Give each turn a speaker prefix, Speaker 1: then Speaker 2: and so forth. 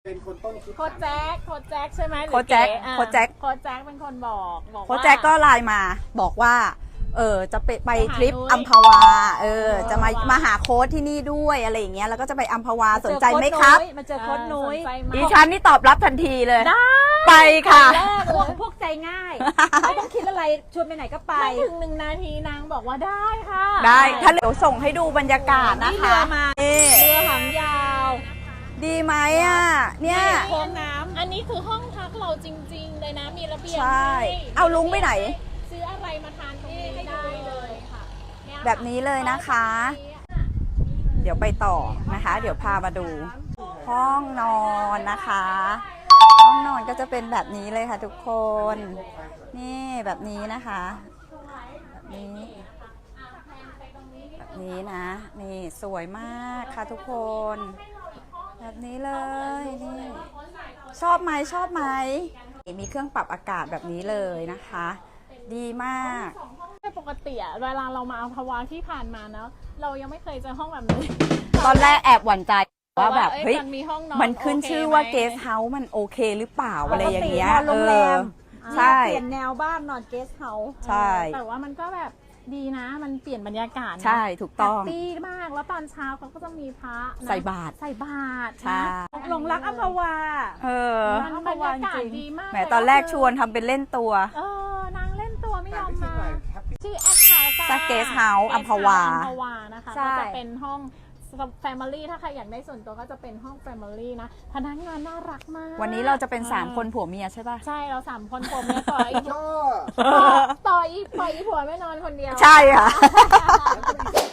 Speaker 1: เป็นคนต้นคิด
Speaker 2: โค้ชแจ็คใช่ไหม
Speaker 3: โค้ชแจ็ค
Speaker 2: โค้
Speaker 3: โค้
Speaker 2: ช
Speaker 3: ชแจ็ค
Speaker 2: เป็นคนบอกว่า
Speaker 3: โค้ชแจ็คก็ไลน์มาบอกว่าจะไปทริป
Speaker 2: นุ้ย
Speaker 3: อัมพวาจะมา
Speaker 2: อัมพวาม
Speaker 3: มาหาโค้ชที่นี่ด้วยอะไรอย่างเงี้ยแล้วก็จะไปอัมพวาสนใจไหมครับ
Speaker 4: มาเจอโค้ชนุ้ย
Speaker 2: สนใจไหม
Speaker 3: ดิฉันนี่ตอบรับทันทีเลย
Speaker 2: ได้
Speaker 3: ไปค่ะ
Speaker 4: แรกพวกใจง่าย ไม่ต้องคิดอะไรชวนไปไหนก็ไป
Speaker 2: ไม่ถึง1 นาทีนางบอกว่าได้ค่ะ
Speaker 3: ได้ถ้าเดี๋ยวส่งให้ดูบรรยากาศนะคะ
Speaker 4: นี่
Speaker 3: นี่
Speaker 4: เรือหางยาว
Speaker 3: ดีไหมอ่ะเนี่ย
Speaker 4: โค้งน้
Speaker 2: อันนี้คือห้องพักเราจริงๆเลยนะมีระเบียง
Speaker 3: ใช่
Speaker 2: ให้
Speaker 3: เอาลุงไปไหน
Speaker 2: ซื้ออะไรมาทานตรงนี้ได้เลยค่ะเนี่ยค่ะ
Speaker 3: แบบนี้เลยนะคะ เดี๋ยวไปต่อนะคะ เดี๋ยวพามาดู ห้องนอนนะคะ ห้องนอนก็จะเป็นแบบนี้เลยค่ะทุกคน นี่แบบนี้นะคะแบบนี้แบบนี้นะนี่สวยมากค่ะทุกคน แบบนี้เลยนี่ชอบไหมชอบไหมมีเครื่องปรับอากาศแบบนี้เลยนะคะ ดีมาก
Speaker 2: ปกติอะเวลาเรามาอัมพวาที่ผ่านมาเนาะเรายังไม่เคยเจอห้องแบบนี้
Speaker 3: ตอนแรกแอบหวั่นใจว่าแบบ
Speaker 2: อ้
Speaker 3: เฮ้ย
Speaker 2: มันมีห้องนอน
Speaker 3: มันขึ้น
Speaker 2: โเค
Speaker 3: ชื่อว่า
Speaker 2: ไหม
Speaker 3: เกสเฮาส์มันโอเคหรือเปล่า
Speaker 4: ำ
Speaker 3: อะไรอย่างเงี้ย
Speaker 4: ปกตินอนโรงแรม
Speaker 3: ใช่
Speaker 4: เปลี่ยนแนวบ้านนอนเกสต์เฮาส์
Speaker 3: ใช่
Speaker 2: แต่ว่ามันก็แบบดีนะมันเปลี่ยนบรรยากาศนะ
Speaker 3: ใช่ถูกต้อง
Speaker 2: แฮปปี้มากแล้วตอนเช้าเขาก็จะมีพระนะ
Speaker 3: ใส่บาตร
Speaker 2: ใส่บาตร
Speaker 3: ใช่
Speaker 2: นะ
Speaker 4: หลงรักอัมพวา
Speaker 3: เออ
Speaker 2: มันบรรยากาศดีมาก
Speaker 3: แหมตอนแรกชวนทำเป็นเล่นตัว
Speaker 2: นางเล่นตัวไม่ยอมมาชื่อแอดคา
Speaker 3: จาก Guest House อัมพวา
Speaker 2: อัมพวานะคะ
Speaker 4: ใช่
Speaker 2: ก็จะเป็นห้อง Family ถ้าใครอยากได้ส่วนตัวก็จะเป็นห้อง Family นะพนักงานน่ารักมาก
Speaker 3: วันนี้เราจะเป็น3คนผัวเมียใช่ป่ะ
Speaker 2: ใช่เรา3 คนผมเนี่ยต่ออีก
Speaker 1: ก็
Speaker 2: ต่ออีกปล่อยอีผัวไม่นอนคนเดียว
Speaker 3: ใช่ค่ะ
Speaker 1: แล้วก็มี